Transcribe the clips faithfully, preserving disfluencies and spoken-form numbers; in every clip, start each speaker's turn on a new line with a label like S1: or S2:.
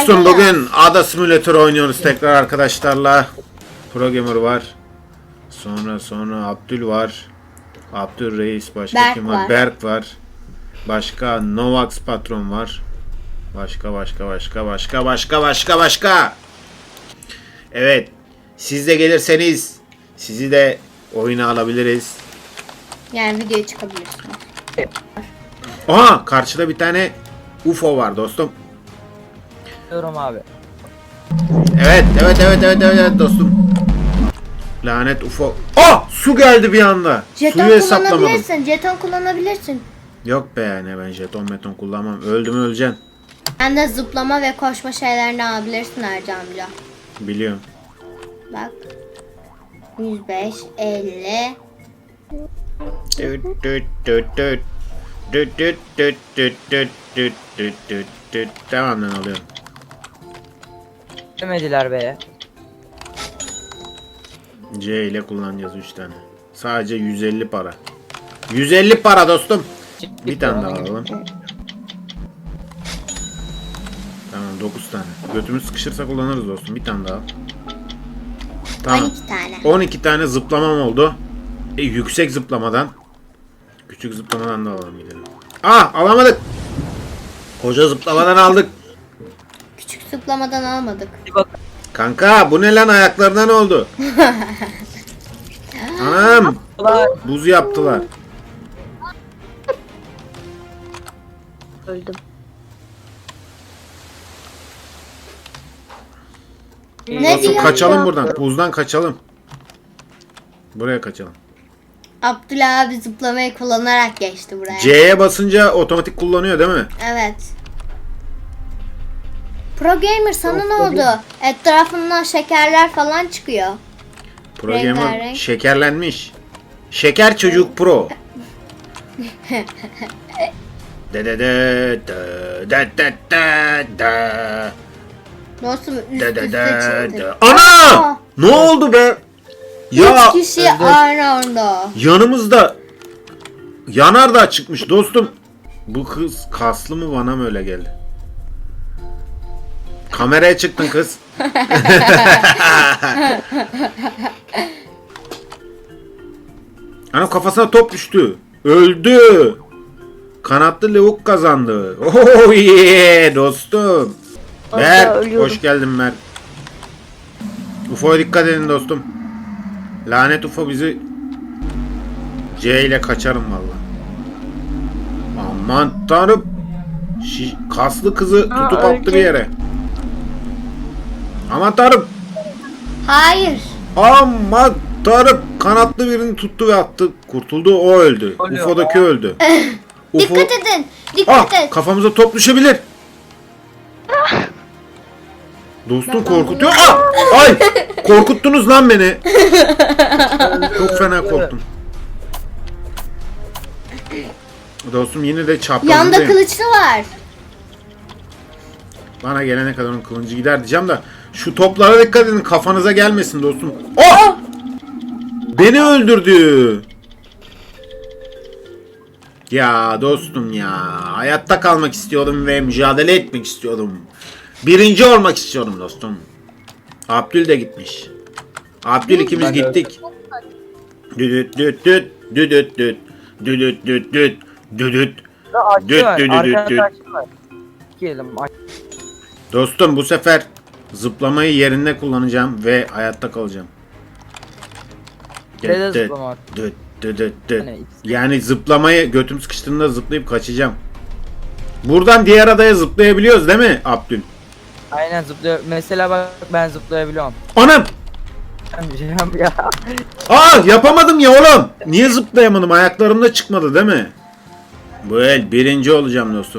S1: Dostum bugün Ada Simulator oynuyoruz tekrar arkadaşlarla. Pro Gamer var. Sonra sonra Abdül var. Abdül Reis, başka
S2: Berk
S1: kim var?
S2: var.
S1: Berk var. Başka Novax Patron var. Başka başka başka başka başka başka başka. Evet. Siz de gelirseniz sizi de oyuna alabiliriz.
S2: Yani videoya çıkabilirsiniz.
S1: Aha, karşıda bir tane U F O var dostum.
S3: Diyorum abi.
S1: Evet, evet, evet, evet, evet, evet dostum. Lanet U F O. Ah, su geldi bir anda.
S2: Jeton
S1: Suyu hesaplamadım.
S2: kullanabilirsin. Jeton kullanabilirsin.
S1: Yok be yani, ben jeton meton kullanmam. Öldüm öleceksin.
S2: Sen de zıplama ve koşma şeylerini alabilirsin Ercan amca.
S1: Biliyorum.
S2: Bak. yüz beş, elli.
S1: Düt düt düt düt. Düt düt düt düt düt düt düt düt düt. Tamam lan, alıyorum.
S3: Demediler be.
S1: C ile kullanacağız üç tane. Sadece yüz elli para. yüz elli para dostum. Bir tane daha alalım. Tamam, dokuz tane. Götümüz sıkışırsa kullanırız dostum. Bir tane daha. Tamam.
S2: on iki tane.
S1: on iki tane zıplamam oldu. E, yüksek zıplamadan. Küçük zıplamadan da alalım gidelim. Ah, alamadık. Koca zıplamadan aldık.
S2: Küçük zıplamadan almadık.
S3: Bir bak.
S1: Kanka bu ne lan, ayaklarına ne oldu? Anam,
S3: Ulan.
S1: buz yaptılar.
S2: Öldüm.
S3: Ne
S1: Dostum
S2: diyor
S1: kaçalım
S2: ya?
S1: buradan. Buzdan kaçalım. Buraya kaçalım.
S2: Abdullah abi zıplamayı kullanarak geçti buraya.
S1: C'ye basınca otomatik kullanıyor değil mi?
S2: Evet. Pro Gamer sana ne oldu? Etrafından şekerler falan çıkıyor.
S1: Pro Gamer
S2: Rengarenk.
S1: şekerlenmiş. Şeker çocuk pro. De de de de de de de de.
S2: Dostum üst
S1: De de
S2: üste
S1: de
S2: çıktı.
S1: de. Ana!
S2: Aa!
S1: Ne oldu be? Ya
S2: Üç kişi aynı anda.
S1: yanımızda yanardağ çıkmış dostum. Bu kız kaslı mı, bana mı öyle geldi? Kameraya çıktın kız. Ana, kafasına top düştü. Öldü. Kanatlı lavuk kazandı. Oh yeah dostum. Berk, hoş geldin Berk. U F O'ya dikkat edin dostum. Lanet U F O bizi C ile kaçarım valla. Aman tanrım. Şi- kaslı kızı tutup attı bir yere. Aman tanrım.
S2: Hayır.
S1: Aman tanrım. Kanatlı birini tuttu ve attı. Kurtuldu, o öldü.
S3: Oluyor.
S1: U F O'daki öldü. U F O...
S2: Dikkat edin. Dikkat
S1: Ah,
S2: et.
S1: kafamıza top düşebilir. Dostum korkutuyor. Ah! Ay! Korkuttunuz lan beni. Çok fena korktum. Dostum yine de
S2: Yanda
S1: çaprazındayım.
S2: kılıçlı var.
S1: Bana gelene kadar onun kılıncı gider diyeceğim de şu toplara dikkat edin, kafanıza gelmesin dostum. Oh! Beni öldürdü. Ya dostum ya, hayatta kalmak istiyordum ve mücadele etmek istiyordum. Birinci olmak istiyorum dostum. Abdül de gitmiş. Abdül ikimiz
S3: Ben de
S1: gittik. Düdüt düt düt düdüt düt düdüt düt düt düdüt.
S3: Açı
S1: Düt
S3: var.
S1: düt düt düt.
S3: Arkada açı var. Giyelim. Aç.
S1: Dostum bu sefer zıplamayı yerinde kullanacağım ve hayatta kalacağım.
S3: Nerede
S1: Düt düt
S3: zıplama var?
S1: düt düt düt düt.
S3: Hani ikisi-
S1: Yani zıplamayı götüm sıkıştığında zıplayıp kaçacağım. Buradan diğer adaya zıplayabiliyoruz değil mi Abdül?
S3: Aynen zıplıyor. Mesela bak ben zıplayabiliyorum.
S1: Anam!
S3: Ben bir şey yap ya.
S1: Aa, yapamadım ya oğlum. Niye zıplayamadım? Ayaklarımda çıkmadı değil mi? Bu el birinci olacağım dostum.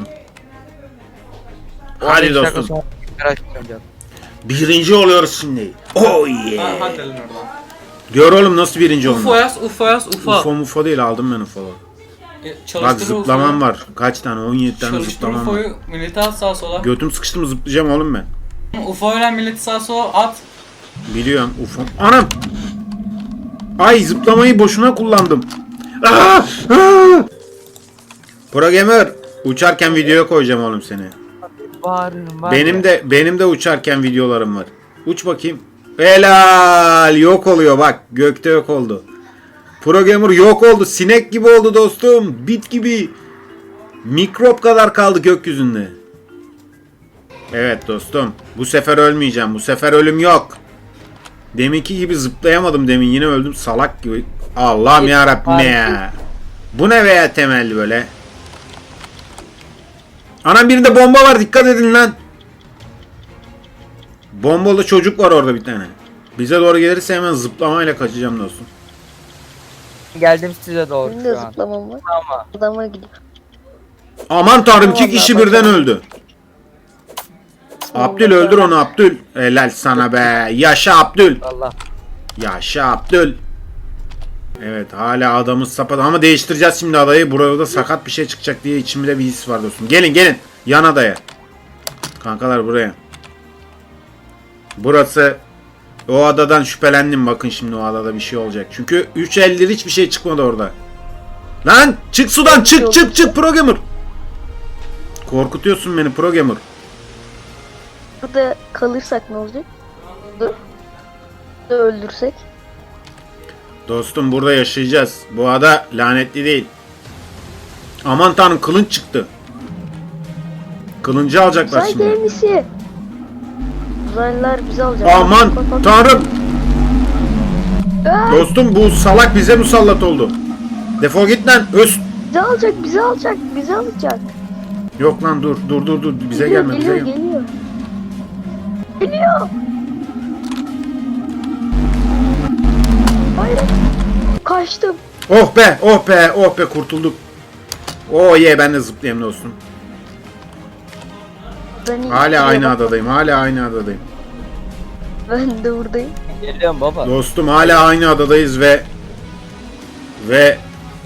S1: Hadi
S3: on beş dakika
S1: dostum.
S3: sonra tekrar açacağım.
S1: Birinci oluyoruz şimdi. Oh yeah.
S4: Ha, hadi lan oradan.
S1: Gör oğlum nasıl birinci
S4: U F O
S1: olmuş.
S4: yaz, U F O yaz, U F O.
S1: Ufo mufo değil, aldım ben ufo'ları.
S4: E,
S1: Bak
S4: çalıştır
S1: zıplamam var. Kaç tane? on yedi tane
S4: Çalıştır
S1: zıplamam var.
S4: U F O'yu, milleti at sağa sola.
S1: Götüm sıkıştı mı zıplayacağım oğlum ben.
S4: U F O ile milleti sağa sola at.
S1: Biliyorum ufo. Anam! Ay, zıplamayı boşuna kullandım. Aa! Aa! Pro Gamer, uçarken videoya koyacağım oğlum seni.
S3: bağırırım var
S1: Benim
S3: ya.
S1: de benim de uçarken videolarım var. Uç bakayım. Helal, yok oluyor bak. Gökte yok oldu. Pro Gamer yok oldu. Sinek gibi oldu dostum. Bit gibi. Mikrop kadar kaldı gökyüzünde. Evet dostum. Bu sefer ölmeyeceğim. Bu sefer ölüm yok. Deminki gibi zıplayamadım demin. Yine öldüm salak gibi. Allah'ım yarabbim ya. Bu ne veya temelli böyle. Anam birinde bomba var, dikkat edin lan. Bombalı çocuk var orada bir tane. Bize doğru gelirse hemen zıplamayla kaçacağım dostum.
S3: Geldim size doğru
S5: Benim de
S3: şu an.
S5: zıplamam var.
S3: Ama
S5: Adama gidiyor.
S1: Aman tanrım, iki
S5: Allah
S1: kişi
S5: Allah.
S1: birden öldü. Abdül öldür onu Abdül. Helal sana be. Yaşa Abdül.
S3: Allah.
S1: Yaşa Abdül. Evet hala adamız sapat ama değiştireceğiz şimdi adayı. Burada sakat bir şey çıkacak diye içimde bir his var dostum. Gelin gelin yan adaya. Kankalar buraya. Burası o adadan şüphelendim, bakın şimdi o adada bir şey olacak. Çünkü üç eldir hiçbir şey çıkmadı orada. Lan çık sudan, çık çık çık Pro Gamer. Korkutuyorsun beni Pro Gamer.
S5: Burada kalırsak ne olacak? Dur. Burada öldürsek.
S1: Dostum burada yaşayacağız. Bu ada lanetli değil. Aman tanrım, kılınç çıktı. Kılıncı alacaklar
S5: Uzay
S1: şimdi.
S5: gemisi. Uzaylılar bizi alacak.
S1: Aman
S5: Bak, bak, bak.
S1: tanrım.
S5: Aa,
S1: Dostum bu salak bize musallat oldu. Defol git lan. Öz.
S5: bizi alacak, bizi alacak, bizi alacak.
S1: Yok lan dur dur dur dur. Bize
S5: Geliyor,
S1: gelme bize
S5: geliyor,
S1: gelme.
S5: geliyor. Geliyor. Hayır. Kaçtım.
S1: Oh be oh be oh be kurtulduk. Oh ye, ben de zıplayayım dostum.
S5: Ben iyi-
S1: Hala
S5: iyi
S1: aynı
S5: bak-
S1: adadayım. Hala aynı adadayım.
S5: Ben de buradayım.
S3: Geliyorum baba.
S1: Dostum hala aynı adadayız ve ve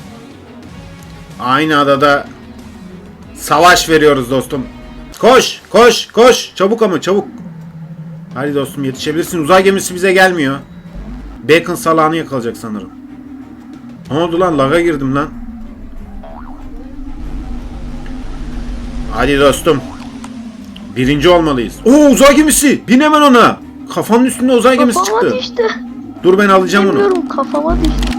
S1: aynı adada savaş veriyoruz dostum. Koş koş koş çabuk ama çabuk. Hadi dostum yetişebilirsin. Uzay gemisi bize gelmiyor. Bacon salağını yakalayacak sanırım. Ne oldu lan, laga girdim lan. Hadi dostum. Birinci olmalıyız. Oo uzay gemisi. Bin hemen ona. Kafanın üstünde uzay gemisi
S5: Kafama
S1: çıktı.
S5: düştü.
S1: Dur ben alacağım onu.
S5: Bilmiyorum, kafama düştü.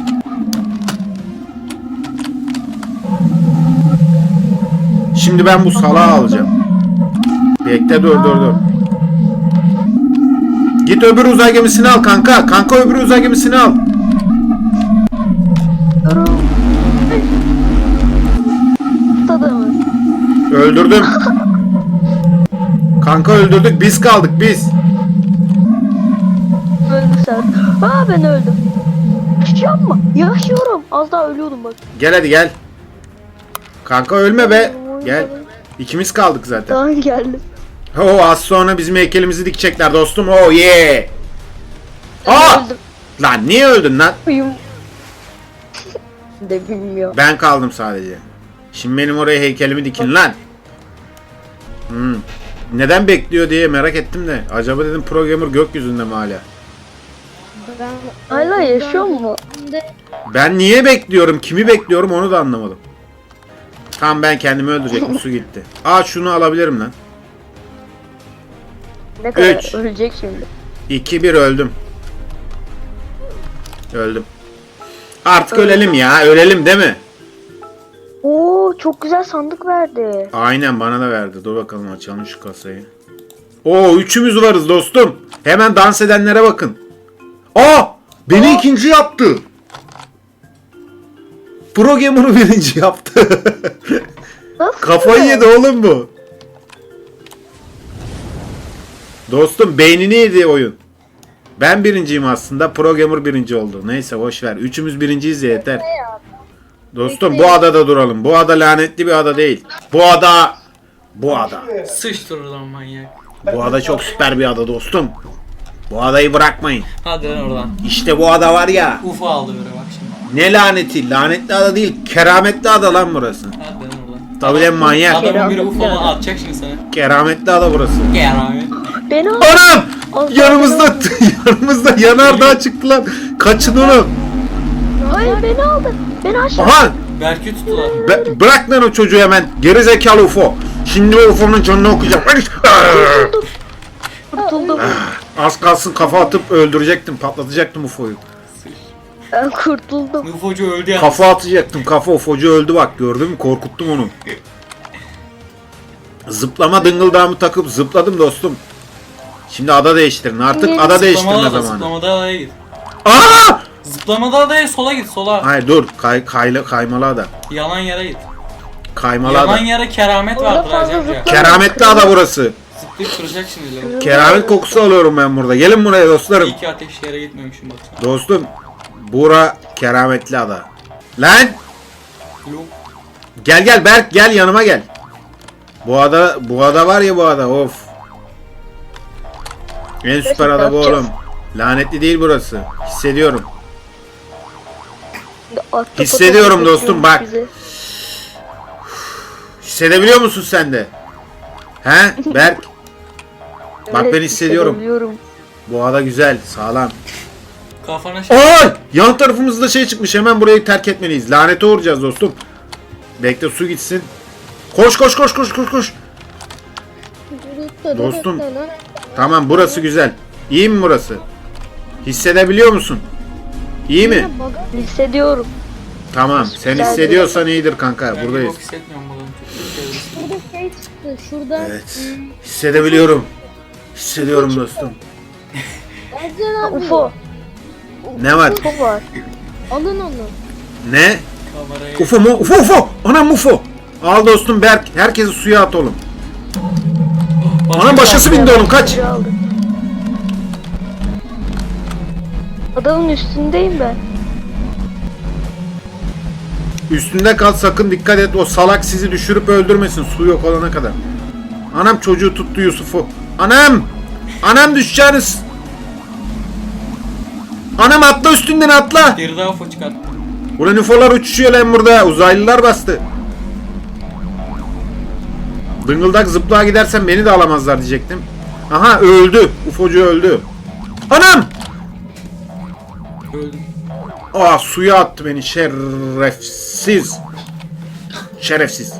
S1: Şimdi ben bu salağı alacağım. Bekle dur dur dur. Git öbür uzay gemisini al kanka. Kanka öbür uzay gemisini al.
S5: Durun. Adamı.
S1: Öldürdüm. Kanka öldürdük. Biz kaldık biz.
S5: Öldü sen. Aa, ben öldüm. Yaşıyor mu? Yaşıyorum. Az daha ölüyordum bak.
S1: Gel hadi gel. Kanka ölme be. Gel. İkimiz kaldık zaten.
S5: Tamam, geldim.
S1: Oo az sonra bizim heykelimizi dikecekler dostum. Oh yeah. Aa!
S5: Öldüm.
S1: Lan niye öldün lan?
S5: Uyum. de bilmiyorum.
S1: Ben kaldım sadece. Şimdi benim oraya heykelimi dikin lan. Hmm. Neden bekliyor diye merak ettim de. Acaba dedim Pro Gamer gökyüzünde mi hala?
S2: Ben
S5: Hala yaşıyor mu?
S1: Ben niye bekliyorum? Kimi bekliyorum onu da anlamadım. Tam ben kendimi öldürecektim, su gitti. Aa şunu alabilirim lan.
S5: Ne kadar
S1: Üç.
S5: ölecek şimdi?
S1: iki bir öldüm. Öldüm. Artık ölelim ya. Ölelim değil mi?
S5: Oo, çok güzel sandık verdi.
S1: Aynen bana da verdi. Dur bakalım açalım şu kasayı. Oo üçümüz varız dostum. Hemen dans edenlere bakın. Aa! Beni ikinci yaptı. Pro Gamer'ı birinci yaptı.
S5: Nasıl?
S1: Kafayı yedi oğlum bu. Dostum beynini yedi oyun. Ben birinciyim aslında. Pro Gamer birinci oldu. Neyse boş ver. Üçümüz birinciyiz ya, yeter. Dostum bu adada duralım. Bu ada lanetli bir ada değil. Bu ada bu ada.
S4: Sıçtır oradan manyak.
S1: Bu ada çok süper bir ada dostum. Bu adayı bırakmayın.
S4: Hadi lan oradan.
S1: İşte bu ada var ya.
S4: Ufa aldı böyle bak şimdi.
S1: Ne laneti? Lanetli ada değil. Kerametli ada lan burası.
S4: Hadi lan oradan.
S1: Tabii lan manyak.
S4: Adamın biri Ufa'dan atacak şimdi sana.
S1: Kerametli ada burası.
S4: Gel abi.
S5: Beni al.
S1: Anam!
S5: Az
S1: Yanımızda
S5: daha
S1: yanımızda yanardağ çıktı lan. Kaçın onu.
S5: Hayır, beni aldı. Beni aşağı.
S1: Aha!
S4: Berk'i tuttular.
S1: Be- bırak lan o çocuğu hemen. Geri zekalı U F O. Şimdi o U F O'nun canını okuyacağım.
S5: Kurtuldum.
S1: Az kalsın kafa atıp öldürecektim, patlatacaktım U F O'yu.
S5: Ben kurtuldum.
S4: Nufocu öldü ya.
S1: Kafa atacaktım, kafa U F O'cu öldü bak, gördün mü? Korkuttum onu. Zıplama dıngıldağımı takıp zıpladım dostum. Şimdi ada değiştirin, artık ada değiştirme
S4: Zıplamada da
S1: zamanı.
S4: zıplamada adaya git.
S1: Aa!
S4: Zıplamada adaya sola git sola.
S1: Hayır dur, kay, kayla, kaymalı ada.
S4: Yalan yere git.
S1: Kaymalı
S4: Yalan
S1: ada.
S4: yere keramet
S5: Orada
S4: vardır
S5: fazla
S4: Acem ya.
S5: zıplama.
S1: Kerametli ada burası.
S4: Zıplayıp kıracak şimdi lan.
S1: Keramet kokusu alıyorum ben burada. Gelin buraya dostlarım.
S4: İki ateş yere gitmemişim baksana.
S1: Dostum, bura kerametli ada. Lan!
S4: Yok.
S1: Gel gel Berk, gel yanıma gel. Bu ada, bu ada var ya bu ada, of. En süper ada bu oğlum. Lanetli değil burası. Hissediyorum.
S5: Ahtapot
S1: Hissediyorum
S5: atıyor
S1: dostum, bak.
S5: bizi.
S1: Hissedebiliyor musun sen de? He Berk? Bak
S5: Evet,
S1: ben hissediyorum.
S5: hissedebiliyorum.
S1: Bu ada güzel, sağlam.
S4: Kafana şey.
S1: Ay! Yan tarafımızda şey çıkmış, hemen burayı terk etmeliyiz. Lanete uğrayacağız dostum. Bekle su gitsin. Koş koş koş koş koş koş. Dostum. Tamam, burası güzel. İyi mi burası? Hissedebiliyor musun? İyi mi?
S5: Hissediyorum.
S1: Tamam. Sen hissediyorsan iyidir kanka.
S4: Ben
S1: Buradayız.
S4: bok hissetmiyorum buradan. Çok sevdim.
S2: Burada şey çıktı. Şurada.
S1: Evet. Hissedebiliyorum. Hissediyorum dostum.
S2: Ercan
S5: Ha,
S2: abi.
S5: U F O.
S1: Ne var?
S5: U F O var.
S2: Alın onu.
S1: Ne?
S4: Kamerayı.
S1: U F O mu? U F O U F O. Anam U F O. Al dostum Berk. Herkesi suya at oğlum.
S4: Başka
S1: Anam
S4: bir
S1: başkası bindi oğlum, kaç.
S5: Çocuğu aldım. Adamın üstündeyim ben.
S1: Üstünde kal, sakın dikkat et. O salak sizi düşürüp öldürmesin su yok olana kadar. Anam çocuğu tuttu Yusuf'u. Anam! Anam düşeceğiniz. Anam atla, üstünden atla.
S4: Bir daha ufo çıkarttı.
S1: Ulan U F O'lar uçuşuyor lan burada. Uzaylılar bastı. Dıngıldak zıplığa gidersen beni de alamazlar diyecektim. Aha öldü. U F O'cu öldü. Anam!
S4: Öldüm.
S1: Aa, suya attı beni şerefsiz. Şerefsiz.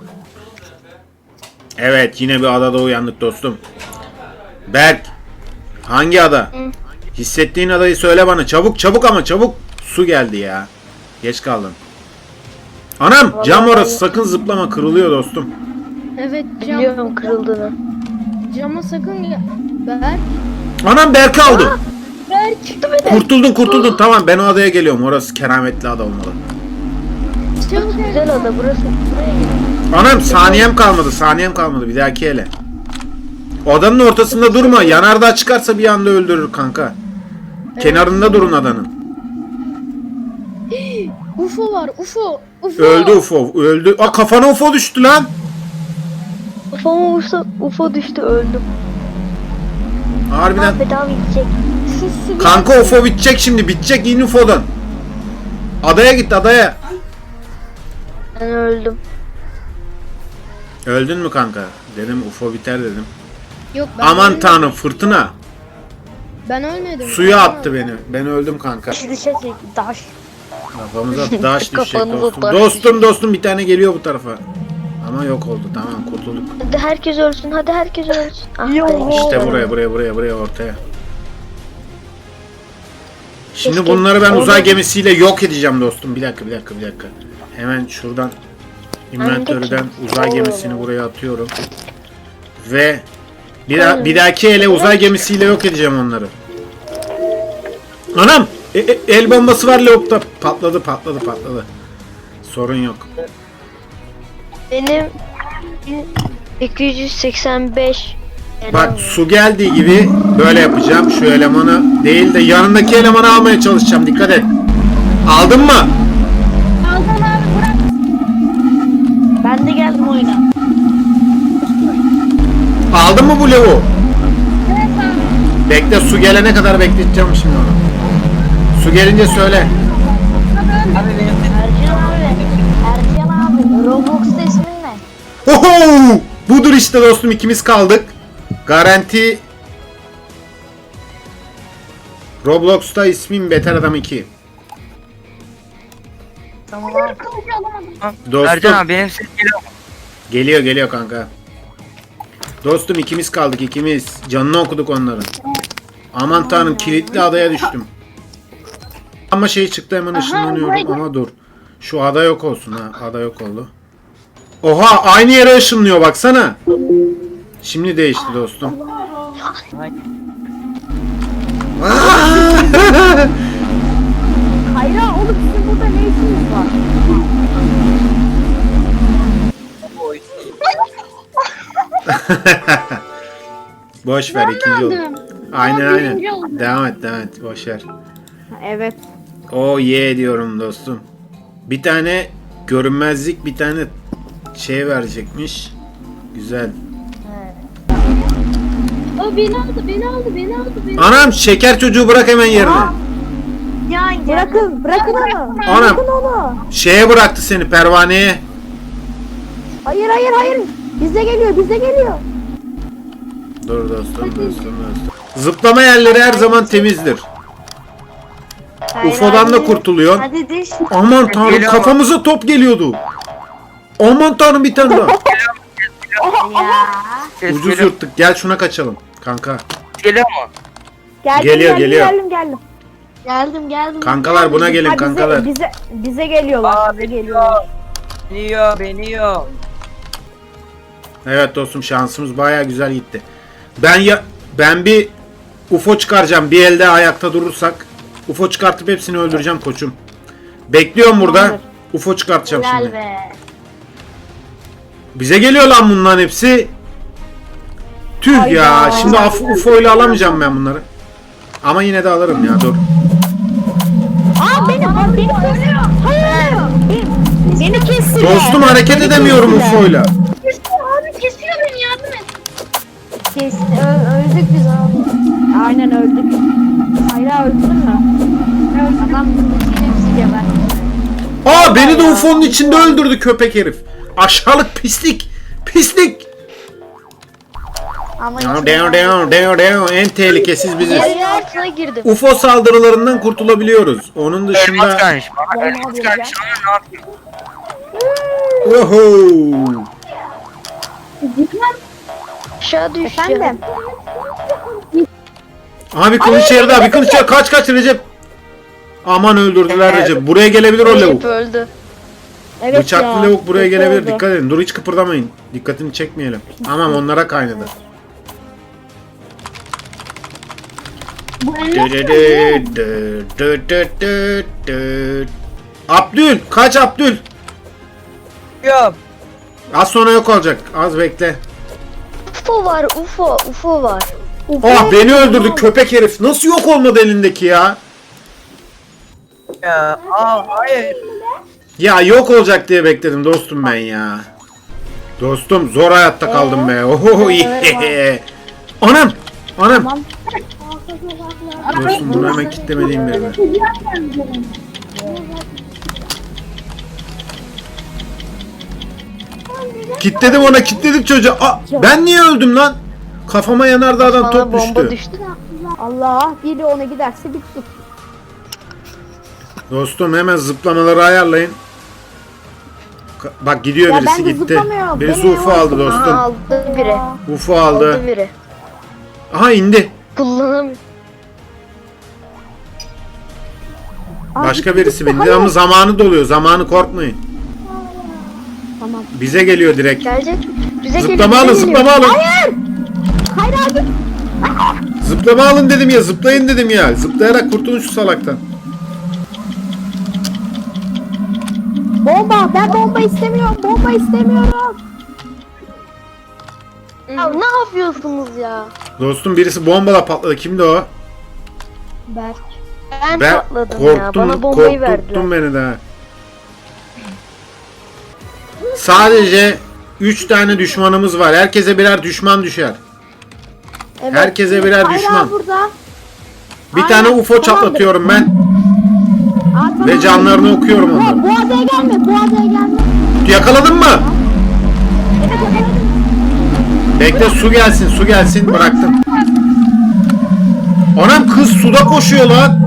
S1: Evet, yine bir adada uyandık dostum. Berk, hangi ada? Hissettiğin adayı söyle bana. Çabuk çabuk ama çabuk. Su geldi ya. Geç kaldın. Anam, cam orası, sakın zıplama, kırılıyor dostum.
S2: Evet cam.
S5: Biliyorum kırıldığını.
S2: Cama sakın ya. Berk.
S1: Anam, Berk aldı.
S2: Berk.
S5: Çıktı beni.
S1: Kurtuldun kurtuldun, tamam, ben o adaya geliyorum. Orası kerametli ada olmalı.
S2: Çabuk
S5: Güzel ada burası. Buraya gel.
S1: Anam, saniyem kalmadı, saniyem kalmadı, bir dahaki ele. Odanın ortasında durma, yanardağ çıkarsa bir anda öldürür kanka. Kenarında durun adanın.
S2: U F O var. U F O. U F O.
S1: Öldü U F O, öldü. Aa, kafana U F O düştü lan.
S5: U F O vursa U F O düştü öldüm.
S1: Harbiden.
S5: Ahmet abi gidecek.
S2: Şu su.
S1: Kanka U F O bitecek şimdi, bitecek, in U F O'dan. Adaya git, adaya.
S5: Ben öldüm.
S1: Öldün mü kanka? Dedim U F O biter dedim.
S2: Yok ben
S1: Aman
S2: ölmedim.
S1: tanrım, fırtına.
S2: Ben ölmedim.
S1: Suya attı beni. Ben öldüm kanka.
S5: Düşecek taş.
S1: Kafamıza taş düşecek
S5: Kafanıza
S1: dostum.
S5: taş
S1: Dostum dostum, bir tane geliyor bu tarafa. Ama yok oldu, tamam, kurtulduk.
S5: Hadi herkes ölsün. Hadi herkes ölsün. Ah,
S2: Yo.
S5: be.
S1: İşte buraya buraya buraya buraya ortaya. Şimdi
S5: Keşke
S1: bunları ben
S5: orada-
S1: uzay gemisiyle yok edeceğim dostum. Bir dakika bir dakika bir dakika. Hemen şuradan inventörden uzay gemisini buraya atıyorum. Ve bir, da- bir dahaki ele uzay gemisiyle yok edeceğim onları. Anam! E- e- el bombası var Leop'ta. Patladı patladı patladı. Sorun yok.
S5: Benim sekiz yüz seksen beş.
S1: Bak, su geldiği gibi böyle yapacağım. Şu elemanı değil de yanındaki elemanı almaya çalışacağım. Dikkat et. Aldın mı?
S2: Aldım abi bırak.
S5: Ben de geldim oyuna.
S1: Aldın mı bu levu? Bekle, su gelene kadar bekleteceğim şimdi onu. Su gelince söyle.
S5: Ercan abi. Ercan abi. Roblox'ta ismin ne?
S1: Oho! Budur işte dostum, ikimiz kaldık. Garanti. Roblox'ta ismim Beter Adam iki.
S5: Tamam abi.
S1: Dostum.
S3: Ercan abi benim ses geliyor mu?
S1: Geliyor geliyor kanka. Dostum ikimiz kaldık ikimiz. Canını okuduk onların. Aman tanrım kilitli adaya düştüm. Ama şey çıktı hemen ışınlanıyorum ama dur. Şu ada yok olsun ha. Ada yok oldu. Oha aynı yere ışınlıyor baksana. Şimdi değişti dostum.
S5: Hayra oğlum sizin burada ne işiniz var?
S1: Boş ver ikinci oldu. Aynen aynen. Devam et devam et boş ver.
S5: Evet.
S1: O ye diyorum dostum. Bir tane görünmezlik bir tane şey verecekmiş. Güzel.
S6: O beni aldı, beni aldı, beni aldı, beni
S1: Anam şeker çocuğu bırak hemen yerine.
S5: Bırakın, bırakın onu.
S1: Anam
S5: Bırakın onu.
S1: şeye bıraktı seni pervaneye.
S5: Hayır hayır hayır. Bize geliyor, bize geliyor.
S1: Dur dostum dostum dostum. Zıplama yerleri her zaman temizdir. U F O'dan da kurtuluyor.
S6: Hadi diş.
S1: Aman tanrım
S3: Geliyor.
S1: kafamıza top geliyordu. Aman tanrım bir tane daha.
S3: Ses
S1: Ucuz
S3: geliyor.
S1: yırttık. Gel şuna kaçalım. Kanka.
S3: Geliyor mu?
S5: Geldim,
S1: Geliyor,
S5: geldim,
S1: geliyor.
S5: geldim, geldim.
S6: Geldim, geldim.
S1: Kankalar buna gelin
S5: Ha,
S1: kankalar.
S5: bize, bize, bize geliyorlar,
S3: Aa,
S5: bize geliyorlar.
S3: Beni yiyor, beni yiyor.
S1: Evet dostum şansımız baya güzel gitti. Ben ya ben bir U F O çıkaracağım. Bir elde ayakta durursak U F O çıkartıp hepsini öldüreceğim koçum. Bekliyorum burada.
S5: Tamamdır.
S1: U F O çıkartacağım
S6: Helal
S1: şimdi.
S6: be.
S1: Bize geliyor lan bunların hepsi. Tüh
S5: Hayda.
S1: ya. Şimdi U F O ile alamayacağım ben bunları. Ama yine de alırım ya dur.
S5: Aa benim, aa, beni kesiyor. Hayır. Beni, beni kesiyor.
S1: Dostum hareket edemiyorum U F O ile.
S6: Abi kesiyor beni, yardım et.
S5: Kesti, ö- öldük biz abi. Aynen öldük. Hayra öldün mü?
S6: Adam yine bizi gebertti.
S1: Aa beni de U F O'nun içinde öldürdü köpek herif. Aşağılık pislik. Pislik.
S6: Ama
S1: Down down down down down. En tehlikesiz biziz.
S6: Yerin altına girdim.
S1: U F O saldırılarından kurtulabiliyoruz. Onun
S3: Elmas
S1: dışında...
S3: gelmiş bana.
S5: Vallahi
S3: Elmas
S5: abi
S3: gelmiş ama ne yapayım?
S1: Oho!
S6: Aşağı düştü.
S5: Efendim?
S1: Abi kılıç yerde abi kılıç yerde. Kaç kaç Recep. Aman öldürdüler Recep. Buraya gelebilir o lavuk.
S6: öldü.
S5: Evet
S1: Bıçaklı
S5: ya.
S1: lavuk buraya
S5: Kötü
S1: gelebilir.
S5: oldu.
S1: Dikkat edin. Dur hiç kıpırdamayın. Dikkatini çekmeyelim. Tamam onlara kaynadı. Abdül kaç Abdül.
S3: Yok.
S1: Az sonra yok olacak. Az bekle.
S6: U F O var, U F O, U F O var.
S1: Oh beni öldürdü köpek herif. Nasıl yok olmadı elindeki ya?
S3: Ya, aa, hayır.
S1: Ya yok olacak diye bekledim dostum ben ya. Dostum zor hayatta kaldım be. Oho yeah. Anam. Anam.
S5: Tamam.
S1: Dostum bunu hemen kitlemediğim bir yer. Kitledim ona kitledim çocuğa. Aa, ben niye öldüm lan? Kafama yanardağdan
S6: Bana
S1: top
S6: bomba
S1: düştü.
S6: düştü.
S5: Allah biri ona giderse bittik.
S1: Dostum hemen zıplamaları ayarlayın. Ka- Bak gidiyor
S5: Ya
S1: birisi
S5: ben de
S1: gitti.
S5: zıplamıyorum.
S1: Birisi
S5: Beni
S1: U F O aldı
S6: Aa,
S1: dostum.
S6: aldı biri.
S1: U F O aldı.
S6: Aldı biri.
S1: Aha indi.
S6: Kullanamıyor.
S5: Aa,
S1: Başka
S5: gitti,
S1: birisi
S5: gitti.
S1: bindi
S5: Hayır.
S1: ama zamanı doluyor. Zamanı korkmayın.
S5: Tamam.
S1: Bize geliyor direkt.
S6: Gelecek. Bize
S1: Zıplama
S6: geliyor,
S1: alın
S6: bize
S1: zıplama alın.
S5: Hayır abi.
S1: Zıplama alın dedim ya zıplayın dedim ya. Zıplayarak kurtulun şu salaktan.
S5: Bomba. Ben bomba istemiyorum. Bomba istemiyorum.
S6: Ya ne yapıyorsunuz ya?
S1: Dostum birisi bombala patladı. Kimdi o?
S5: Berk.
S6: Ben,
S1: Ben
S6: patladım ya.
S1: korktum.
S6: Bana bombayı verdiler.
S1: Korkuttun beni de. ha. Sadece üç tane düşmanımız var. Herkese birer düşman düşer.
S5: Evet.
S1: Herkese birer
S5: Hayra
S1: düşman.
S5: burada.
S1: Bir
S5: Aynen,
S1: tane U F O
S5: tamamdır.
S1: çatlatıyorum ben.
S5: Aa, tamam.
S1: Ve canlarını okuyorum
S5: Bu,
S1: onların.
S5: bu adaya gelme. Bu adaya gelme.
S1: Yakaladın mı?
S5: Evet evet.
S1: Bekle su gelsin su gelsin bıraktım. Anam kız suda koşuyor lan.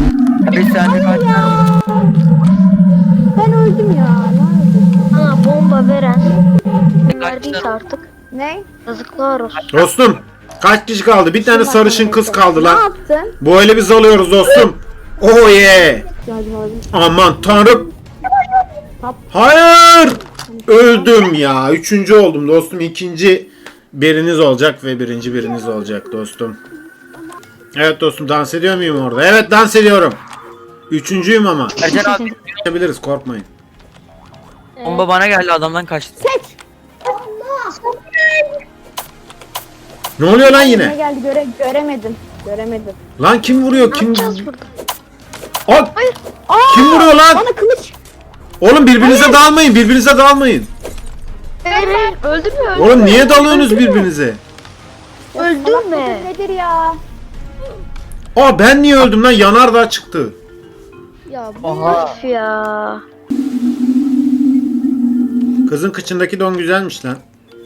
S3: Bir saniye kaçıyorum.
S5: Ben öldüm ya. Nerede?
S6: Aa bomba
S5: Ufa veren verdiyse artık
S7: Ne?
S5: yazıklar olsun.
S1: Dostum kaç kişi kaldı? Bir tane sarışın kız kaldı
S7: Ne
S1: lan.
S7: yaptın?
S1: Bu öyle biz alıyoruz dostum. Oh yeah.
S7: Yardım alabilir.
S1: Aman tanrım. Hayır. Öldüm ya. Üçüncü oldum dostum. İkinci biriniz olacak ve birinci biriniz olacak dostum. Evet dostum, dans ediyor muyum orada? Evet, dans ediyorum. Üçüncüyüm ama.
S3: Ercan abi
S1: Yapabiliriz, korkmayın.
S3: bomba bana geldi, adamdan kaçtı.
S1: Ne oluyor lan
S7: Ne
S1: yine?
S7: geldi göre göremedim. Göremedim.
S1: Lan kim vuruyor? Kim?
S5: Yapacağız burada.
S1: Aa, kim vuruyor lan?
S7: Bana kılıç.
S1: Oğlum birbirinize dalmayın. Birbirinize dalmayın.
S5: Hayır hayır öldürme öldürme.
S1: Oğlum niye dalıyorsunuz birbirinize?
S5: Öldürme.
S7: Nedir ya?
S1: Aa, ben niye öldüm lan? Yanardağ çıktı.
S5: Ya bu
S3: Aha.
S5: herif ya.
S1: Kızın kıçındaki don güzelmiş lan.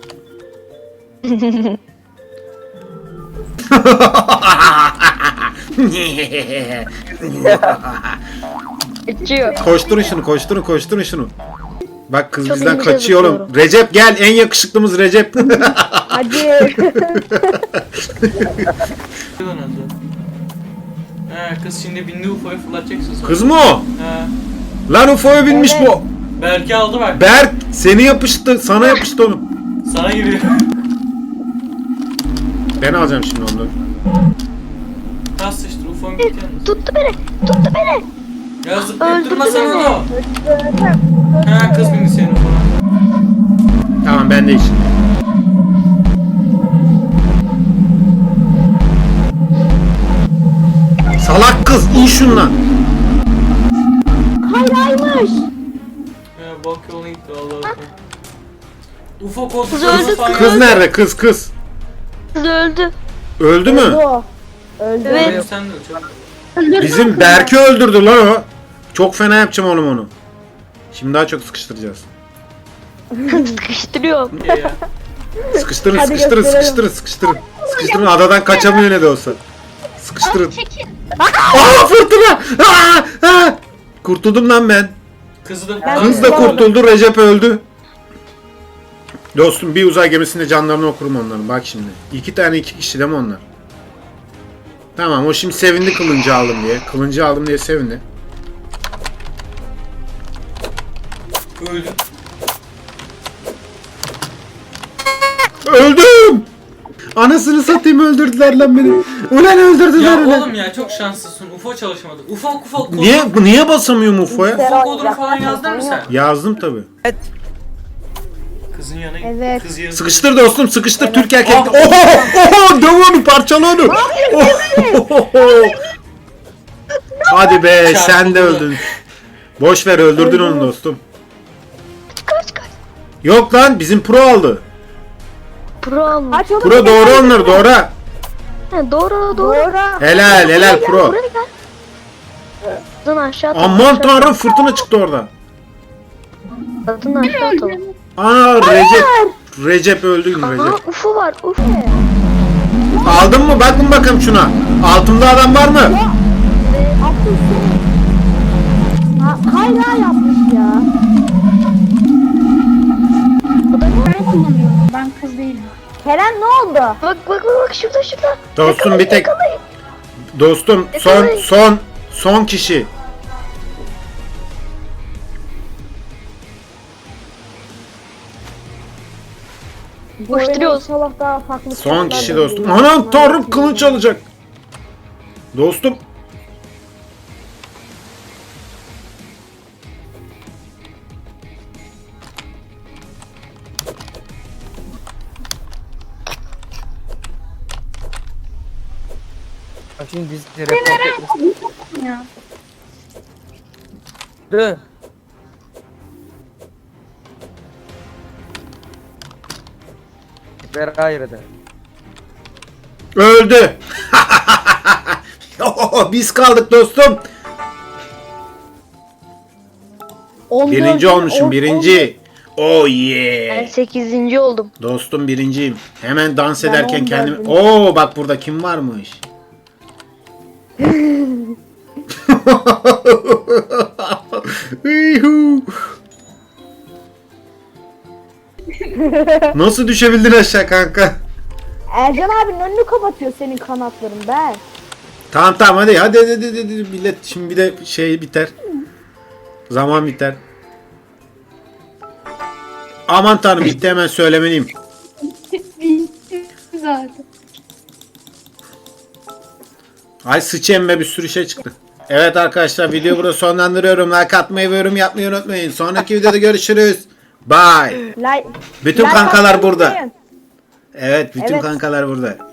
S5: Geçiyor.
S1: Koşturun şunu, koşturun, koşturun şunu. Bak kız
S5: Çok
S1: bizden
S5: ince
S1: kaçıyor oğlum.
S5: zıplıyorum.
S1: Recep gel, en yakışıklımız Recep.
S7: Hadi.
S4: Lan adı. He kız şimdi bindi U F O'ya fırlatacaksın sonra.
S1: Kız mı o?
S4: He.
S1: Lan U F O'ya binmiş
S7: Evet.
S1: bu.
S4: Berke aldı bak.
S1: Berk seni yapıştı, sana yapıştı oğlum.
S4: Sana giriyor.
S1: Ben alacağım şimdi onu.
S4: Tas sıçtır U F O'nun bitiyor.
S5: Tuttu beni. Tuttu beni.
S4: Ya zıplayıp
S5: Öldürdü
S4: durmasana
S5: beni.
S4: da. He kız bindi senin U F O'na.
S1: Tamam, ben de işim. Salak kız, in şundan.
S7: Hayraymış.
S4: He bak yoluna gitti Allah Allah. U F O koltukları
S5: Kız öldü,
S4: falan
S1: Kız
S4: geldi.
S1: nerede? Kız kız.
S5: Kız öldü.
S1: Öldü mü?
S7: O. Öldü.
S5: Evet.
S4: Benim sen de çok.
S1: Bizim Berk'i öldürdü lan o. Çok fena yapacağım oğlum onu. Şimdi daha çok sıkıştıracağız.
S5: Sıkıştırıyorum.
S4: iyi ya.
S1: Sıkıştırın,
S7: Hadi
S1: sıkıştırın,
S7: gösterelim.
S1: sıkıştırın, sıkıştırın. Sıkıştırın, adadan kaçamıyor ne de olsa. Sıkıştırın. Aa, fırtına! Aa, aa! Kurtuldum lan ben.
S4: Kızı da
S7: Ben-
S1: Kız da kurtuldu, Recep öldü. Dostum, bir uzay gemisinde canlarını okurum onların. Bak şimdi. İki tane iki kişi değil mi onlar? Tamam, o şimdi sevindi kılıncı aldım diye. Kılıncı aldım diye sevindi.
S4: öldü.
S1: Öldüm! Anasını satayım, öldürdüler lan beni. Ulan öldürdüler
S4: Ya
S1: ulan.
S4: oğlum ya çok şanslısın. U F O çalışmadı. U F O U F O kodu.
S1: Niye, niye basamıyorum U F O'ya?
S4: U F O kodunu falan yazdın mı sen?
S1: Yazdım tabi.
S4: Kızın yanına git.
S7: Evet.
S4: Kız yanına.
S1: Sıkıştır dostum, sıkıştır. Türk erkek.
S4: Aa.
S1: Oho! Oho! Döv onu, parçala onu. Oho! Hadi be, sen de öldün. Boş ver, öldürdün onu dostum.
S5: Kaç kaç.
S1: Yok lan, bizim pro aldı.
S5: Pro almış.
S7: Aç oğlum.
S1: Pro doğru onları, doğru.
S5: Ha, doğru doğru.
S7: Doğru.
S1: Helal, helal pro.
S5: Buraya gel. Kadın aşağı atalım.
S1: Aman
S5: aşağı
S1: tanrım, fırtına çıktı orada.
S5: atalım. Kadın aşağı atalım.
S1: Aa, Recep. Recep öldü mü
S5: Aha
S1: Recep?
S5: ufu var ufu.
S1: Aldın mı? Bakın bakalım şuna. Altımda adam var mı?
S7: Attım seni. Ha, hayra yapmış ya.
S8: Ben kullanıyorum. Ben kız değilim.
S7: Kerem ne oldu?
S5: Bak bak bak bak şurada şurada.
S1: Dostum bir tek.
S5: Yakalayın.
S1: Dostum son son son kişi.
S7: Bu oyuna
S5: Koşturuyoruz.
S7: İnşallah daha farklı.
S1: Son
S7: şeyler
S1: kişi
S7: de
S1: dostum.
S7: olur.
S1: Anam tanrım, kılıç alacak. Dostum.
S3: Bak şimdi biz report etmiş.
S8: Ya.
S3: Dı. Ver ayrıdı.
S1: Öldü. Biz kaldık dostum.
S7: On
S1: Birinci
S7: dört,
S1: olmuşum,
S7: on-
S1: birinci. Oh
S5: Ben
S1: yeah.
S5: sekizinci oldum.
S1: Dostum birinciyim. Hemen dans
S7: Ben
S1: ederken
S7: on
S1: kendimi...
S7: dördüm.
S1: Oo bak burada kim varmış? Yuhu. Nasıl düşebildin aşağı kanka?
S7: Ercan abinin önünü kapatıyor senin kanatların be.
S1: Tamam tamam hadi hadi hadi, hadi, hadi. Millet şimdi bir de şey biter. Zaman biter. Aman tanrım bitti, hemen söylemeliyim.
S8: Zaten.
S1: Ay sıçayım be, bir sürü şey çıktı. Evet arkadaşlar, videoyu burada sonlandırıyorum. Like atmayı ve yorum yapmayı unutmayın. Sonraki videoda görüşürüz. Bye.
S7: Like,
S1: Bütün
S7: like
S1: kankalar
S7: atmayı
S1: burada.
S7: unutmayın.
S1: Evet bütün
S7: Evet.
S1: kankalar burada.